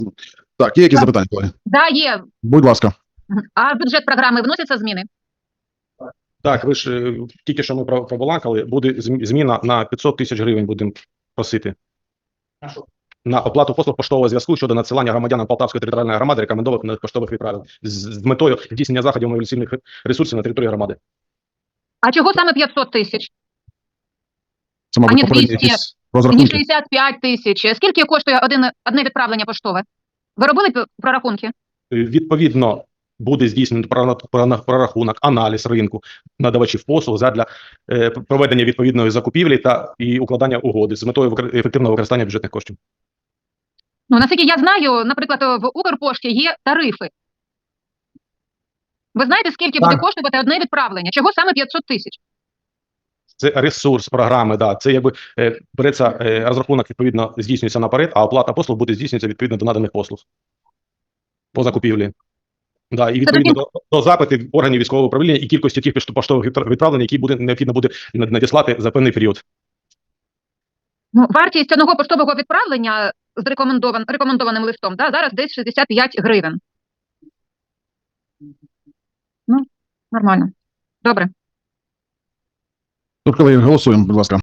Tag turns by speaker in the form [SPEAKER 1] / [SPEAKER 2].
[SPEAKER 1] Так, є якісь запитання, колеги?
[SPEAKER 2] Да, є.
[SPEAKER 1] Будь ласка.
[SPEAKER 2] А в бюджет програми вносяться зміни?
[SPEAKER 3] Так, ви ж тільки що ми пробалакали, буде зміна на 500 тисяч гривень будемо просити. На оплату послуг поштового зв'язку щодо надсилання громадянам Полтавської територіальної громади рекомендованих поштових відправлень з метою здійснення заходів мобілізаційних ресурсів на території громади.
[SPEAKER 2] А чого саме 500 тисяч?
[SPEAKER 1] Це, мабуть,
[SPEAKER 2] Ані
[SPEAKER 1] попередні
[SPEAKER 2] 200,
[SPEAKER 1] якісь
[SPEAKER 2] Ні,
[SPEAKER 1] розрахунки.
[SPEAKER 2] 65 тисяч. Скільки коштує одне відправлення поштове? Ви робили прорахунки?
[SPEAKER 3] Відповідно, буде здійснено прорахунок, аналіз ринку надавачів послуг задля проведення відповідної закупівлі і укладання угоди з метою ефективного використання бюджетних коштів.
[SPEAKER 2] Ну, наскільки я знаю, наприклад, в Укрпошті є тарифи. Ви знаєте, скільки буде коштувати одне відправлення? Чого саме 500 тисяч?
[SPEAKER 3] Це ресурс програми, да. Це якби береться розрахунок, відповідно, здійснюється наперед, а оплата послуг буде здійснюється відповідно до наданих послуг по закупівлі. Да, і відповідно до запитів органів військового управління і кількості тих поштових відправлень, які необхідно буде надіслати за певний період.
[SPEAKER 2] Ну, вартість одного поштового відправлення з рекомендованим листом, да, зараз десь 65 гривень. Ну, нормально. Добре.
[SPEAKER 1] Тут, колеги, голосуємо, будь ласка.